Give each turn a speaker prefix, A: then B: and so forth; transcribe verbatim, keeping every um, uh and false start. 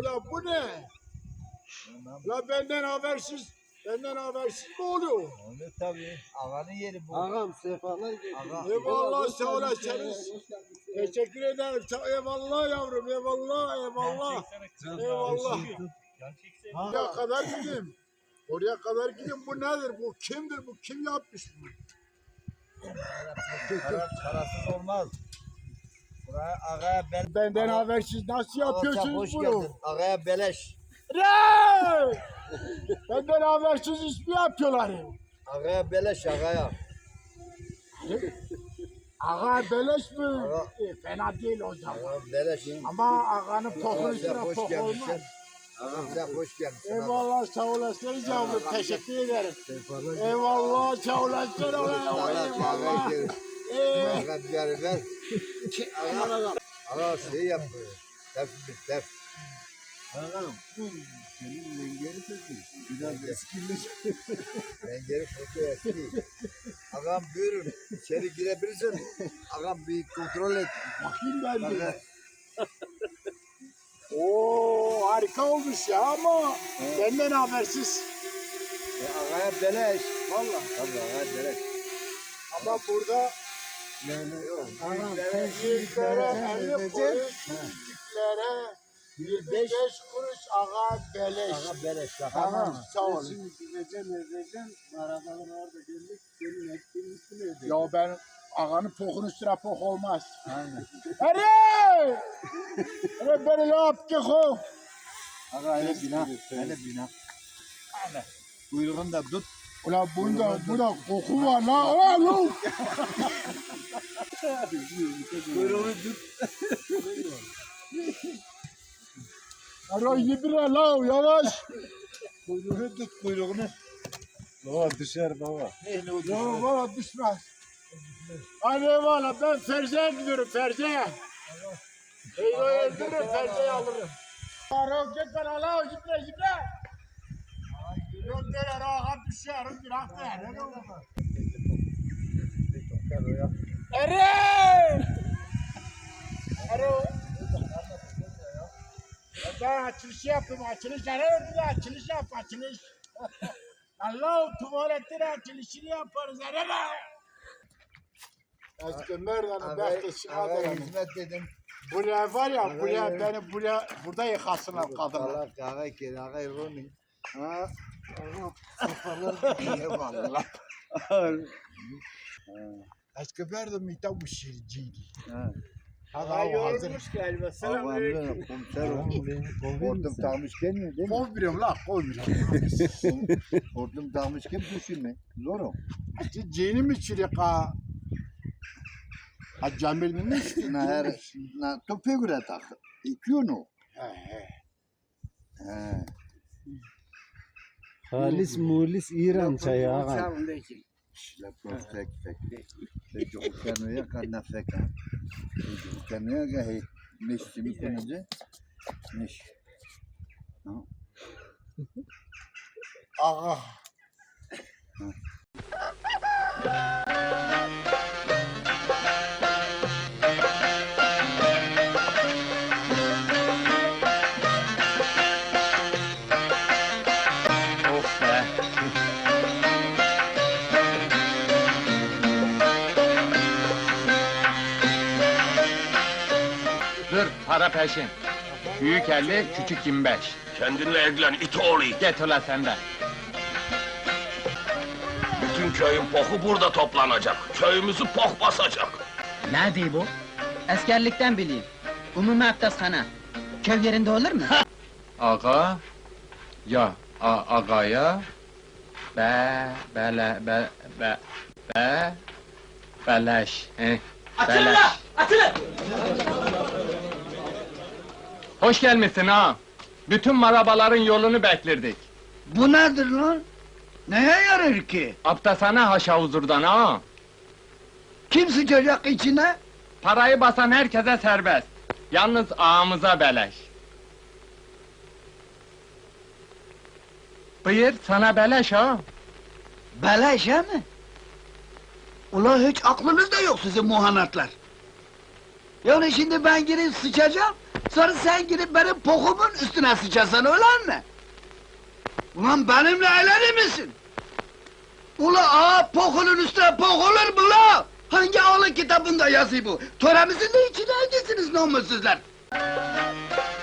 A: Ulan bu ne? La benden habersiz, benden habersiz mi oluyor?
B: Onu tabii. Ağanın yeri bu.
C: Ağam sefalar getirdin.
A: Eyvallah sağ olasınız. Teşekkür ederim. Sağ- Eyvallah yavrum, eyvallah, eyvallah. Eyvallah. Oraya kadar gideyim. Oraya kadar gideyim. Bu nedir? Bu kimdir? Bu kim yapmış bunu?
B: Para, parasız olmaz. Buraya ağaya bel...
A: Benden habersiz nasıl
B: Ağa, sen
A: yapıyorsunuz
B: hoş
A: bunu?
B: geldin. Ağaya beleş.
A: Rey! Benden habersiz iş mi yapıyorlar?
B: Ağaya beleş ağaya.
A: Ağa beleş mi?
B: Ağa.
A: E, fena değil o zaman.
B: Ağaya beleş.
A: Ama ağanın pokun
B: Ağam
A: üstüne
B: sen hoş
A: pok olmaz.
B: gelmişsin. Ağam sen hoş gelmişsin.
A: Eyvallah sağ olasınız yavrum. Teşekkür ederim. Eyvallah sağ olasın. Eyvallah. Ee,
B: Ağa bir yarı ver. Ağa, ağa şey yap. Tef bir tef.
C: Ağam. Senin mengeri peki. Biraz eskimiş.
B: Mengeri foto eski. Ağam buyurun. İçeri girebilirsin. Ağam bir kontrol et.
A: bakayım ben
B: Ağa,
A: de. Oo harika olmuş ya ama benden habersiz.
B: e, ağaya beleş. Valla. Tabii ağaya beleş.
A: Ama burada
C: Yani yok. Ağam
A: büyüklere
C: sen
A: büyüklere elli
C: şimdi
A: kuruş, küçüklere yirmi beş kuruş ağa beleş.
B: Ağa beleş.
A: Tamam sağ
C: Sen
A: olun.
C: şimdi gideceksin edeceksin. Arabalar orada geldik. Senin ettiğin üstüne ödeyeceksin.
A: Ya ben ağanın pokun üstüne pok olmaz.
C: Aynen.
A: Hadi! Hadi beni yap ki ho.
B: Ağa hele bina. Hele bina. Kuyruğunu da tut.
A: Ulan bunda, bunda koku var la. Ulan lan.
B: Kuyruğunu tut.
A: Ara yedire la yavaş.
B: Kuyruğunu tut kuyruğunu.
C: Baba düşer baba.
B: Neyle o
A: Ya valla düşmez. Hadi valla ben Ferze'ye gidiyorum Ferze'ye. Eyvah öldürürüm Ferze'yi alırım. Ara git bana la gitle gitle. Yok der ağa düşer. Bırak der. Eren! Alo. Ben açılış yapayım, açılış. Eren açılış yap, açılış. Allah tuvaletin açılışını yaparız Eren. Eski merdanı bekleşine
B: Ağa
A: ederim.
B: hizmet dedim.
A: Buraya var ya, buraya beni buraya, burada yıkasınlar kadınlar.
B: Allah ağa kere ağa Rumi.
C: Ha.
B: Eyvallah.
A: Eski merdan mita bu şirciydi.
B: Ha.
A: Hava hazır.
B: galiba. Selamünaleyküm. Komiserim. Hortum takmışken mi değil mi?
A: Kol biliyorum la, kol biliyorum.
B: Hortum takmışken düşünme. Zor o.
A: İşte cini mi çürük ha? Ha Cemil mi işte?
B: Na her na tope göre tak. İki onu.
A: He he.
B: He.
C: Halis mulis İran çayı ağam.
B: La perfect fek. Peki o kanıya kanna fek. Peki o kanıya gahi. Neşti mi konunca? Neş.
A: Ağa.
D: Of be. Dur, para peşin. Büyük elli, küçük yirmi beş.
E: Kendinle evlen it oğlu it.
D: Get ula sen de.
E: Bütün köyün poku burada toplanacak. Köyümüzü pok basacak.
F: Ne diyor bu? Askerlikten bileyim. Umumi abdesthane. Köy yerinde olur mu?
D: Ağa, ya, a, agaya, be, bele, be, be, be, beleş, he, beleş. Hoş gelmişsin ha. Bütün marabaların yolunu beklerdik.
G: Bu nedir lan? Neye yarar ki?
D: Abdesthane haşa huzurdan ha.
G: Kim sıçacak içine?
D: Parayı basan herkese serbest. Yalnız ağamıza beleş. Buyur, sana beleş ha.
G: Beleş he mi? Ula hiç aklınız da yok sizin muhanatlar. Yani şimdi ben girip sıçacağım, Sonra sen gidip benim pokumun üstüne sıçasan öyle mi? Ulan benimle eğlenir misin? Ula ağa pokunun üstüne pok olur mu la? Hangi ağlı kitabında yazıyor bu? Töremizin de içine hangisiniz namussuzlar?